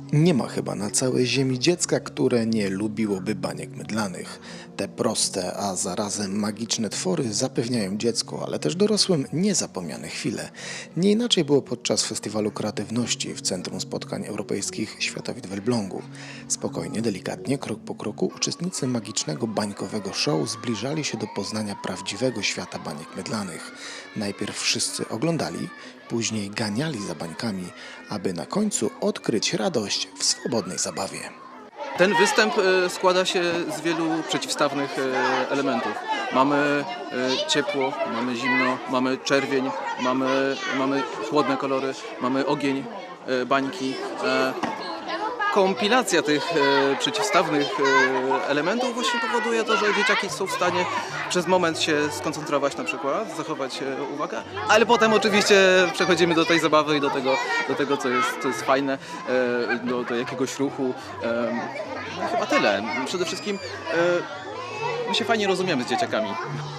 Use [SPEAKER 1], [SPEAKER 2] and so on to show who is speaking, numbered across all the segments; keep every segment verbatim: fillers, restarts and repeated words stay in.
[SPEAKER 1] Nie ma chyba na całej ziemi dziecka, które nie lubiłoby baniek mydlanych. Te proste, a zarazem magiczne twory zapewniają dziecku, ale też dorosłym niezapomniane chwile. Nie inaczej było podczas Festiwalu Kreatywności w Centrum Spotkań Europejskich Światowid w Elblągu. Spokojnie, delikatnie, krok po kroku uczestnicy magicznego bańkowego show zbliżali się do poznania prawdziwego świata baniek mydlanych. Najpierw wszyscy oglądali, później ganiali za bańkami, aby na końcu odkryć radość w swobodnej zabawie.
[SPEAKER 2] Ten występ składa się z wielu przeciwstawnych elementów. Mamy ciepło, mamy zimno, mamy czerwień, mamy, mamy chłodne kolory, mamy ogień, bańki. Kompilacja tych e, przeciwstawnych e, elementów właśnie powoduje to, że dzieciaki są w stanie przez moment się skoncentrować na przykład, zachować e, uwagę, ale potem oczywiście przechodzimy do tej zabawy i do tego, do tego co, jest, co jest fajne, e, do, do jakiegoś ruchu. E, no, chyba tyle. Przede wszystkim e, my się fajnie rozumiemy z dzieciakami.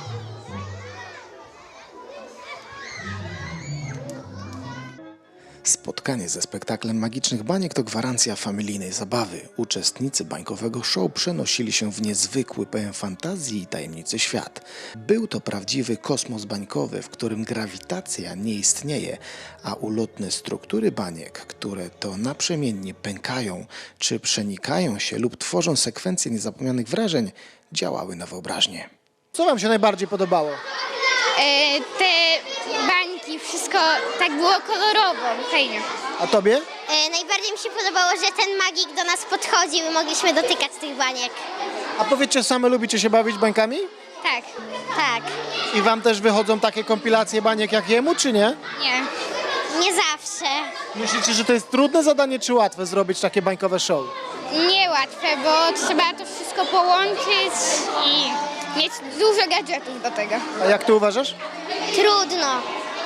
[SPEAKER 1] Spotkanie ze spektaklem magicznych baniek to gwarancja familijnej zabawy. Uczestnicy bańkowego show przenosili się w niezwykły, pełen fantazji i tajemnicy świat. Był to prawdziwy kosmos bańkowy, w którym grawitacja nie istnieje, a ulotne struktury baniek, które to naprzemiennie pękają, czy przenikają się lub tworzą sekwencje niezapomnianych wrażeń, działały na wyobraźnię.
[SPEAKER 3] Co wam się najbardziej podobało?
[SPEAKER 4] E, te bańki, wszystko tak było kolorowo, fajnie.
[SPEAKER 3] A tobie?
[SPEAKER 5] E, najbardziej mi się podobało, że ten magik do nas podchodził i mogliśmy dotykać tych baniek.
[SPEAKER 3] A powiedzcie, same lubicie się bawić bańkami?
[SPEAKER 4] Tak,
[SPEAKER 5] Tak,
[SPEAKER 3] I wam też wychodzą takie kompilacje baniek jak jemu, czy nie?
[SPEAKER 4] nie.
[SPEAKER 5] nie zawsze.
[SPEAKER 3] Myślicie, że to jest trudne zadanie, czy łatwe zrobić takie bańkowe show?
[SPEAKER 4] Niełatwe, bo trzeba to wszystko połączyć i mieć dużo gadżetów do tego.
[SPEAKER 3] A jak ty uważasz?
[SPEAKER 5] Trudno.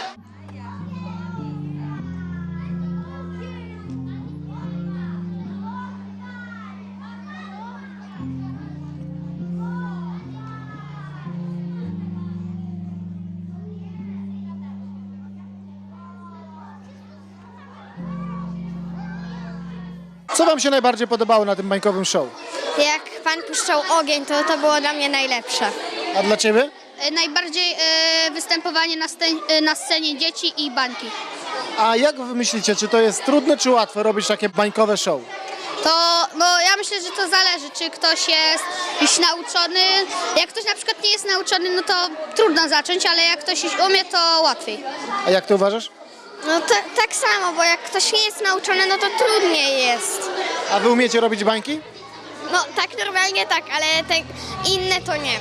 [SPEAKER 3] Co wam się najbardziej podobało na tym bańkowym show?
[SPEAKER 4] Jak pan puszczał ogień, to to było dla mnie najlepsze.
[SPEAKER 3] A dla ciebie?
[SPEAKER 4] Najbardziej e, występowanie na, scen e, na scenie dzieci i bańki.
[SPEAKER 3] A jak wy myślicie, czy to jest trudne, czy łatwe robić takie bańkowe show?
[SPEAKER 4] To, bo ja myślę, że to zależy, czy ktoś jest już nauczony. Jak ktoś na przykład nie jest nauczony, no to trudno zacząć, ale jak ktoś już umie, to łatwiej.
[SPEAKER 3] A jak ty uważasz?
[SPEAKER 4] No to, tak samo, bo jak ktoś nie jest nauczony, no to trudniej jest.
[SPEAKER 3] A wy umiecie robić bańki?
[SPEAKER 4] No tak normalnie tak, ale te inne to nie.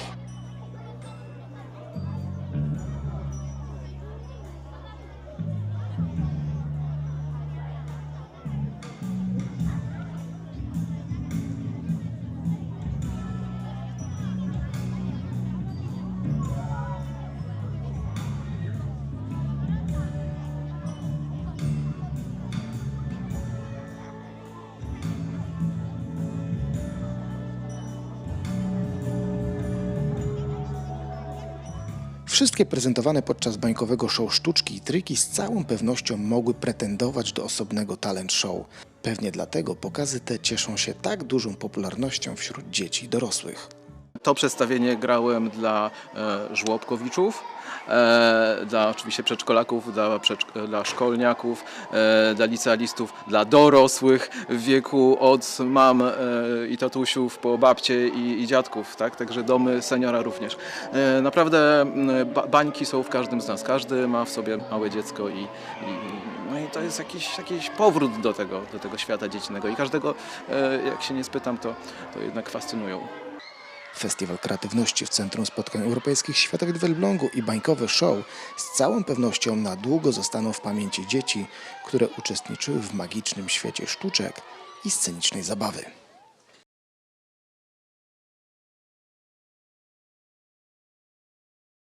[SPEAKER 1] Wszystkie prezentowane podczas bańkowego show sztuczki i triki z całą pewnością mogły pretendować do osobnego talent show. Pewnie dlatego pokazy te cieszą się tak dużą popularnością wśród dzieci i dorosłych.
[SPEAKER 2] To przedstawienie grałem dla e, żłobkowiczów, e, dla oczywiście przedszkolaków, dla, przedszk- dla szkolniaków, e, dla licealistów, dla dorosłych w wieku od mam e, i tatusiów po babcie i, i dziadków, tak? Także domy seniora również. E, naprawdę m, ba- bańki są w każdym z nas, każdy ma w sobie małe dziecko i, i no i to jest jakiś, jakiś powrót do tego, do tego świata dziecięcego i każdego, e, jak się nie spytam, to, to jednak fascynują.
[SPEAKER 1] Festiwal Kreatywności w Centrum Spotkań Europejskich Światowid w Elblągu i bańkowy show z całą pewnością na długo zostaną w pamięci dzieci, które uczestniczyły w magicznym świecie sztuczek i scenicznej zabawy.